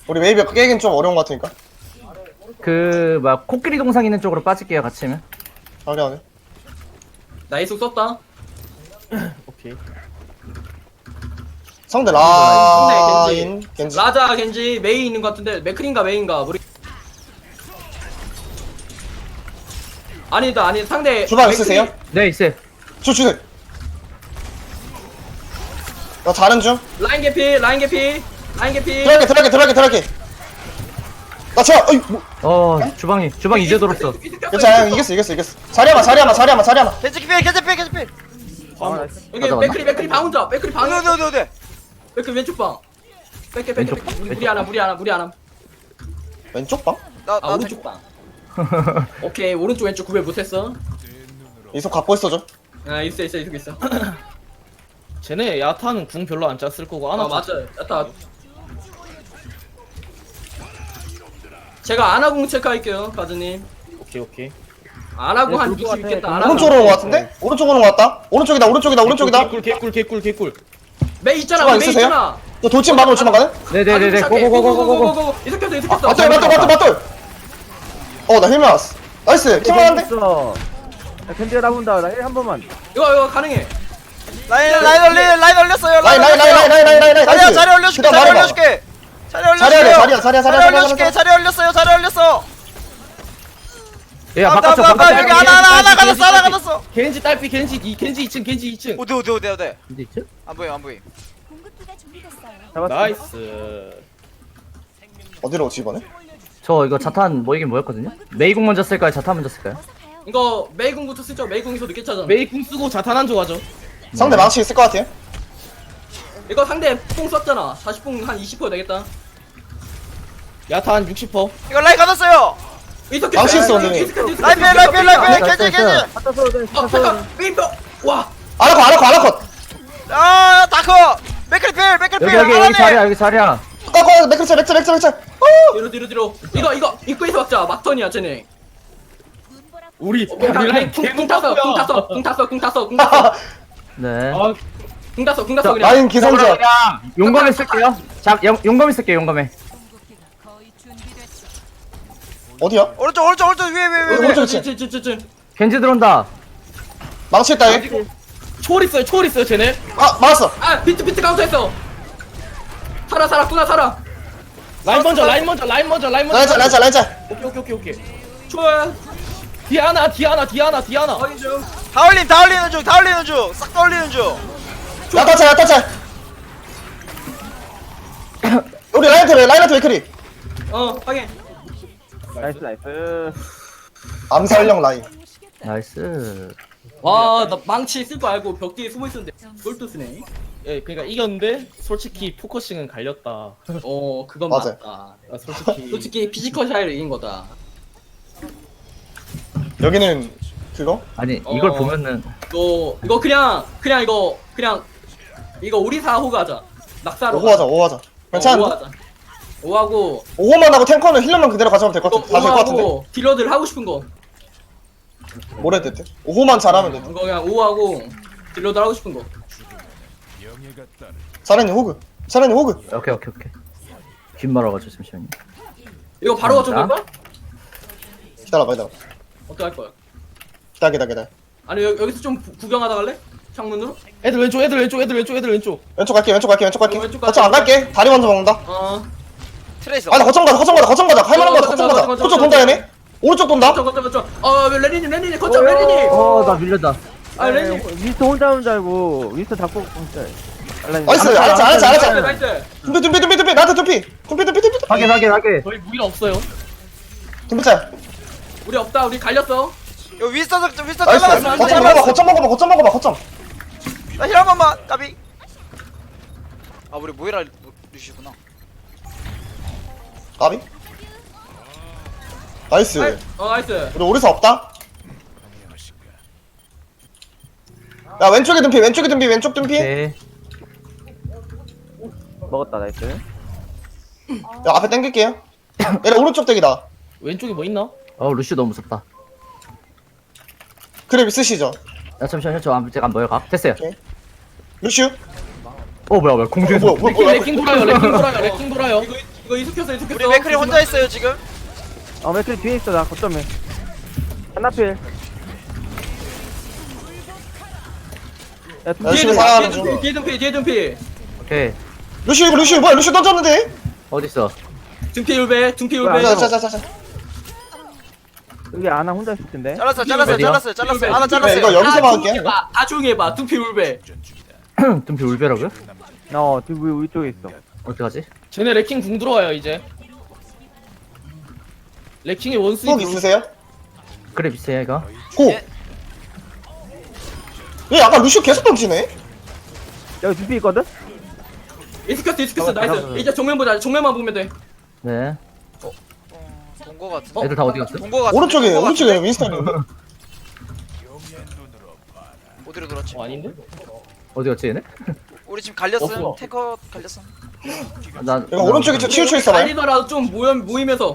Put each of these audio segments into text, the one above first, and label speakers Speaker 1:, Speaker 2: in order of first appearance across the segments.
Speaker 1: 우리 웨이브 깨긴 좀 어려운 것 같으니까.
Speaker 2: 그 막 코끼리 동상 있는 쪽으로 빠질게요. 같이면.
Speaker 1: 확인하네.
Speaker 3: 나 이속 썼다.
Speaker 4: 오케이.
Speaker 1: 상대
Speaker 3: 상대
Speaker 1: 라인 겐지.
Speaker 3: 라자 겐지 메이 있는 것 같은데 맥크린가 메인가 모르. 아니다 아니 상대
Speaker 1: 주방
Speaker 3: 맥크리-
Speaker 1: 있으세요?
Speaker 2: 네 있어요.
Speaker 1: 주세요. 나 자는 중.
Speaker 3: 라인 개피 라인 개피 라인 개피.
Speaker 1: 들어갈게. 나 제가 어이 뭐.
Speaker 2: 주방 이제 들었어.
Speaker 1: 괜찮아 이겼어. 자리야마.
Speaker 5: 겐지 필
Speaker 3: 여기
Speaker 2: 가져갔나?
Speaker 3: 맥크리 방 혼자 맥크리 방에
Speaker 5: 어디
Speaker 3: 맥크리 왼쪽 방. 뺄게
Speaker 2: 왼쪽,
Speaker 3: 무리 하나.
Speaker 1: 왼쪽 방?
Speaker 3: 아 오른쪽 방. 오케이 오른쪽 왼쪽 구별 못했어.
Speaker 1: 이속 갖고 있어줘.
Speaker 3: 아 있어.
Speaker 4: 쟤네 야타는 궁 별로 안 짰을 거고 아나
Speaker 3: 맞아. 야타. 제가 아나궁 체크할게요, 가즈님.
Speaker 4: 오케이.
Speaker 3: 아나궁 한
Speaker 4: 네, 그럴 것
Speaker 3: 60
Speaker 4: 같아.
Speaker 3: 있겠다. 아나궁.
Speaker 1: 오른쪽으로 온 것 같은데? 오른쪽으로 온 것 같다. 오른쪽이다.
Speaker 4: 개꿀.
Speaker 3: 메이 있잖아,
Speaker 1: 주방
Speaker 3: 메이
Speaker 1: 있으세요?
Speaker 3: 있잖아.
Speaker 1: 너 돌진 바로 주방 가네?
Speaker 2: 네네네네. 고고고고고고.
Speaker 3: 이석했어.
Speaker 1: 맞돌. 나 힐 맞았어. 나이스. 킹만한데?
Speaker 6: 있어. 야, 겐지가 나본다. 나 힐 한 번만.
Speaker 3: 이거 가능해.
Speaker 5: 라인 올렸어요.
Speaker 1: 라인. 나이스.
Speaker 5: 자리 올려줄게.
Speaker 1: 그다음
Speaker 5: 자리
Speaker 1: 말해봐.
Speaker 5: 올려줄게. 자리 올렸어요. 자리 올렸어.
Speaker 2: 야
Speaker 5: 나
Speaker 2: 바깥쪽.
Speaker 5: 여기 하나 가졌어.
Speaker 4: 겐지 딸피 겐지 2층.
Speaker 5: 어디.
Speaker 2: 어디 있지?
Speaker 5: 안 보여.
Speaker 7: 공급기가 준비됐어요.
Speaker 6: 잡았어.
Speaker 4: 나이스.
Speaker 1: 어디로 오지 이번에?
Speaker 2: 저 이거 자탄 뭐 이긴 뭐였거든요? 메이공 먼저 쓸까요? 자탄 먼저 쓸까요?
Speaker 7: 어서 가요.
Speaker 3: 이거 메이궁부터 쓰죠. 메이궁에서 늦게 차잖아.
Speaker 4: 메이 궁 쓰고 자탄 한 조가죠.
Speaker 1: 상대 망치 있을 것 같아요.
Speaker 3: 이거 상대 뽕 썼잖아. 40뽕 한 20% 되겠다.
Speaker 4: 야타 한 60%.
Speaker 5: 이거 라인 가졌어요.
Speaker 3: 이석했어.
Speaker 1: 망치 있어, 언니.
Speaker 5: 라인 필. 겐지.
Speaker 6: 갖다 돼.
Speaker 3: 잠깐. 메이표. 와.
Speaker 1: 아나컷.
Speaker 5: 다커. 맥크리 필.
Speaker 2: 여기 자리야.
Speaker 1: 맥크리.
Speaker 3: 뒤로. 이거 입구에서 막자. 막턴이야, 쟤네.
Speaker 4: 우리
Speaker 3: 라인 궁 탔어.
Speaker 2: 네.
Speaker 4: 아,
Speaker 3: 궁 탔어 그냥.
Speaker 1: 라인 기선제.
Speaker 2: 용검에 쓸게요. 용검에 쓸게요. 용검에.
Speaker 7: 거의 준비됐어.
Speaker 1: 어디야?
Speaker 5: 오른쪽 위에.
Speaker 1: 오른쪽
Speaker 2: 겐지 들어온다.
Speaker 1: 망치 있다 얘.
Speaker 4: 초월 있어요 쟤네.
Speaker 1: 맞았어.
Speaker 3: 아 비트 카운터했어. 살아.
Speaker 4: 라인 먼저.
Speaker 1: 라인자.
Speaker 4: 오케이.
Speaker 3: 좋아.
Speaker 4: 디아나.
Speaker 3: 확인 중.
Speaker 5: 다 올리는 중. 싹 다 올리는 중.
Speaker 1: 야타차. 우리 라인한테 맥크리.
Speaker 3: 확인.
Speaker 6: 나이스.
Speaker 1: 암살형 라인.
Speaker 2: 나이스.
Speaker 3: 와, 나 망치 쓸 거 알고 벽 뒤에 숨어 있었는데 그걸 또 쓰네.
Speaker 4: 예, 그러니까 이겼는데 솔직히 포커싱은 갈렸다.
Speaker 3: 그건
Speaker 1: 맞아요.
Speaker 3: 맞다.
Speaker 4: 아, 솔직히
Speaker 3: 피지컬 차이로 이긴 거다.
Speaker 1: 여기는 그거?
Speaker 2: 아니 이걸
Speaker 3: 어.
Speaker 2: 보면은
Speaker 3: 이거 그냥 이거 우리 4호 가자. 낙사로.
Speaker 1: 5호 하자. 괜찮은데?
Speaker 3: 5호 하자. 5하고
Speaker 1: 5호만 하고 탱커는 힐러만 그대로 가져가면 될 것 같아. 다될것 같은데?
Speaker 3: 5하고 딜러들 하고 싶은 거.
Speaker 1: 뭐래 됐대? 5호만 잘하면 돼.
Speaker 3: 이거 그냥 5하고 딜러들 하고 싶은 거.
Speaker 1: 사련이 호그.
Speaker 2: 오케이. 귓 말아가지고 잠시만요.
Speaker 3: 이거 바로 거쳐
Speaker 2: 자.
Speaker 3: 볼까?
Speaker 1: 기다려봐.
Speaker 3: 어떻게 할 거야?
Speaker 1: 기다려.
Speaker 3: 아니 여기서 좀 구경하다 갈래? 창문으로?
Speaker 4: 애들 왼쪽.
Speaker 1: 왼쪽 갈게.
Speaker 3: 왼쪽
Speaker 1: 거점 안 갈게. 다리 먼저 먹는다.
Speaker 5: 트레이서.
Speaker 1: 나 거점 가자. 할만한 거 거점 가자.
Speaker 3: 거점
Speaker 1: 거점 돈다 얘네. 오른쪽 돈다.
Speaker 3: 거점. 레니님 거점 레니님.
Speaker 2: 나 밀렸다.
Speaker 3: 레니님.
Speaker 6: 윈스터 혼자 온 줄 알고 윈스터 잡고 진짜.
Speaker 1: 나이스. 알았어.
Speaker 3: 나이스.
Speaker 1: 둠피. 나한테 둠피.
Speaker 2: 확인.
Speaker 4: 저희 무기가 없어요.
Speaker 1: 둠피짤.
Speaker 3: 우리 없다. 우리 갈렸어.
Speaker 5: 요 윈스터
Speaker 1: 나이스.
Speaker 5: 잘라봤어.
Speaker 1: 거점 먹어봐. 거점.
Speaker 5: 나힐 한 번만. 까비. 아 우리 모이라 루시구나.
Speaker 1: 까비. 나이스.
Speaker 3: 나이스.
Speaker 1: 우리 오리사 없다. 야 왼쪽 둠피.
Speaker 2: 오케이.
Speaker 6: 먹었다. 나이스.
Speaker 1: 야 앞에 당길게요. 얘네 오른쪽 댁이다.
Speaker 4: 왼쪽에 뭐 있나?
Speaker 2: 루시 너무 무섭다.
Speaker 1: 그래 있으시죠?
Speaker 2: 야 잠시만요. 저 아직 안 보여. 됐어요.
Speaker 1: 루슈?
Speaker 2: 뭐야 공중에서.
Speaker 1: 뭐야?
Speaker 4: 레킹 돌아요.
Speaker 3: 이거 이거 이숙했어 이숙했어.
Speaker 5: 우리 맥크리 혼자 있어요 지금.
Speaker 6: 맥클 뒤에 있어. 나 거점에. 하나필. 야, 두
Speaker 1: 열심히
Speaker 6: 개.
Speaker 1: 살아가는 중.
Speaker 3: 뒤에 dum피 뒤에 dum피.
Speaker 2: 오케이.
Speaker 1: 루시 이거 루시 뭐야 루시 던졌는데?
Speaker 2: 어딨어?
Speaker 3: dum피 울베 dum피 울베.
Speaker 6: 뭐야,
Speaker 1: 자자자자자.
Speaker 6: 여기 아나 혼자 있을 텐데.
Speaker 5: 잘랐어
Speaker 2: 어디야?
Speaker 5: 하나 잘랐어요.
Speaker 1: 이거 여기서 막을게.
Speaker 3: 다 조용히 해봐 dum피 울베.
Speaker 2: dum피 울베라고요?
Speaker 6: 뒤 위쪽에 있어.
Speaker 2: 어떡하지?
Speaker 4: 쟤네 레킹 궁 들어와요 이제. 레킹의 원수인
Speaker 1: 훅 있으세요?
Speaker 2: 그래 비슷해 이거.
Speaker 1: 고!
Speaker 5: 예.
Speaker 1: 얘 아까 루시 계속 던지네?
Speaker 6: 여기 두피 있거든?
Speaker 3: 이숙했어 이숙했어 나이스. 이제 정면 보자 정면만 보면 돼.
Speaker 2: 네.
Speaker 5: 본거 같은데.
Speaker 2: 애들 다 어디 갔어?
Speaker 5: 본거 같은데.
Speaker 1: 오른쪽에
Speaker 5: 본거
Speaker 1: 오른쪽에
Speaker 5: 같은데?
Speaker 1: 윈스턴이
Speaker 5: 어디로 돌았지?
Speaker 4: 아닌데?
Speaker 2: 어디 갔지 얘네?
Speaker 5: 우리 지금 갈렸음.
Speaker 4: 없어.
Speaker 5: 탱커 갈렸음.
Speaker 2: 나
Speaker 1: 이거 오른쪽에 치우쳐 있어봐요.
Speaker 3: 갈리더라도 좀 모이면서.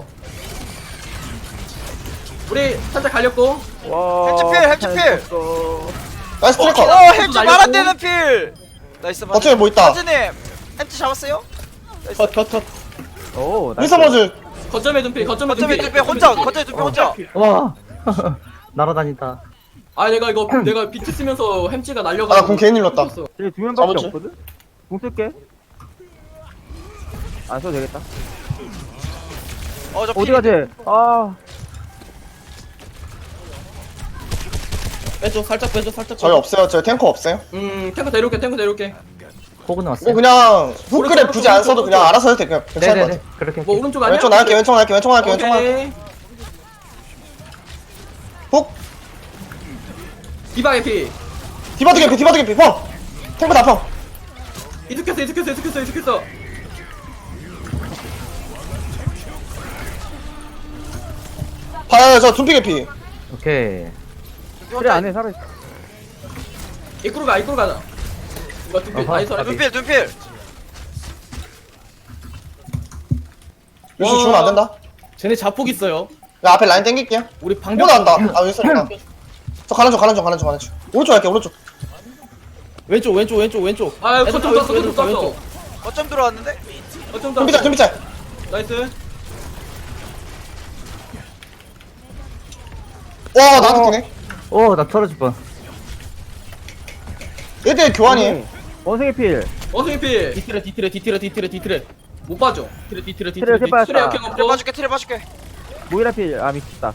Speaker 3: 우리 살짝 갈렸고.
Speaker 6: 와.
Speaker 5: 헬치필.
Speaker 1: 나이스 트래커.
Speaker 5: 헬치 말안 되는 필. 나이스.
Speaker 1: 어차피 뭐 있다.
Speaker 5: 사진님 헬치 잡았어요?
Speaker 4: 컷.
Speaker 6: 오, 나이스.
Speaker 1: 윈스턴 버즈.
Speaker 3: 거점에 dum피 거점에
Speaker 5: 거점에
Speaker 3: dum피.
Speaker 5: 두배 혼자. 거점에 두배 혼자.
Speaker 2: 와. 날아다닌다.
Speaker 3: 아 내가 비트 쓰면서 햄찌가 날려가지고.
Speaker 1: 아, 그럼 괜히 눌렀다.
Speaker 6: 여기 두 명밖에
Speaker 1: 잡았지?
Speaker 6: 없거든? 공 쓸게. 안 써도 되겠다.
Speaker 5: 어저
Speaker 6: 어디 가지?
Speaker 4: 빼줘 살짝 빼줘 살짝.
Speaker 1: 저희 없어요. 저희 탱커 없어요.
Speaker 3: 탱커 데려올게.
Speaker 2: 호그
Speaker 1: 이거
Speaker 2: 나왔어요.
Speaker 1: 그냥 훅그랩 굳이 안 써도 그냥 알아서 해도 돼. 그냥 괜찮을 것
Speaker 2: 네네네.
Speaker 1: 같아.
Speaker 2: 그렇게.
Speaker 3: 뭐
Speaker 2: 할게.
Speaker 3: 오른쪽 아니야?
Speaker 1: 왼쪽 나갈게 왼쪽 나갈게.
Speaker 3: 오케이.
Speaker 1: 훅.
Speaker 3: 디바 개피.
Speaker 1: 디바드 개피 펑. 탱커 다 펑.
Speaker 3: 이득했어.
Speaker 1: 봐요 저 둠피 개피.
Speaker 2: 오케이.
Speaker 6: 그래, 안에 살아있어.
Speaker 3: 이끌어 가자. 이거 둠피
Speaker 2: 어허.
Speaker 3: 나이스.
Speaker 5: 눈필.
Speaker 1: 루시 죽으면 안 된다.
Speaker 4: 쟤네 자폭 있어요.
Speaker 1: 야 앞에 라인 땡길게요.
Speaker 4: 우리 방벽.
Speaker 1: 못 한다. 아 윈스턴이다. 저 가는 중. 오른쪽 할게 오른쪽.
Speaker 4: 왼쪽.
Speaker 3: 아
Speaker 4: 애들
Speaker 3: 거점
Speaker 4: 다
Speaker 3: 떴어.
Speaker 4: 왼쪽, 왼쪽.
Speaker 5: 거점 들어왔는데?
Speaker 3: 거점
Speaker 1: 둠피 짤.
Speaker 3: 나이스.
Speaker 1: 와 나한테 뛰네.
Speaker 2: 나 털어줄 뻔.
Speaker 1: 얘들 교환이에요.
Speaker 6: 원숭이 필.
Speaker 3: 원숭이 피.
Speaker 4: 뒤틀에.
Speaker 3: 못 봐줘.
Speaker 4: 뒤틀에.
Speaker 6: 트레
Speaker 3: 트레
Speaker 6: 빠졌다.
Speaker 3: 역행 없고.
Speaker 5: 틀에 봐줄게.
Speaker 6: 모이라 필. 미쳤다.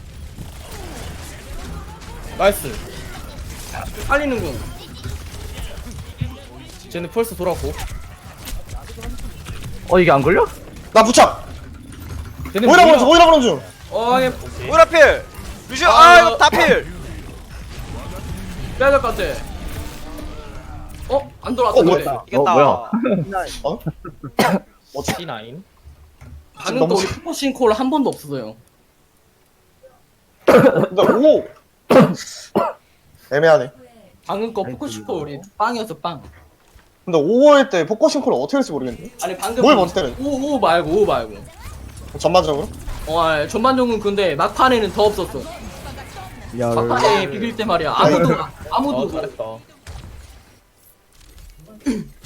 Speaker 4: 나이스.
Speaker 3: 살리는 군.
Speaker 4: 쟤네 펄스 돌았고.
Speaker 2: 이게 안 걸려?
Speaker 1: 나 부착.
Speaker 4: 쟤네
Speaker 1: 모이라 보는 중.
Speaker 3: 얘
Speaker 5: 오라 필. 루시오 이거 다 필.
Speaker 3: 빼야 될 것 같아. 안 돌아왔어. 그래.
Speaker 1: 뭐야?
Speaker 5: 이겼다.
Speaker 2: 뭐야?
Speaker 4: C9.
Speaker 3: 방금 또
Speaker 1: 너무
Speaker 3: 우리 포싱 콜 한 번도 없었어요.
Speaker 1: 근데 오. 애매하네.
Speaker 3: 방금 거 포커슈퍼 우리 빵이었어 빵.
Speaker 1: 근데 5월 때 포커싱 콜을 어떻게 할지 모르겠네.
Speaker 3: 아니 방금
Speaker 1: 뭘 먼저 때려?
Speaker 3: 오 말고.
Speaker 1: 전반적으로.
Speaker 3: 전반적은 근데 막판에는 더 없었어.
Speaker 6: 야,
Speaker 3: 막판에 비빌 때 말이야. 아무도
Speaker 4: 잘했다.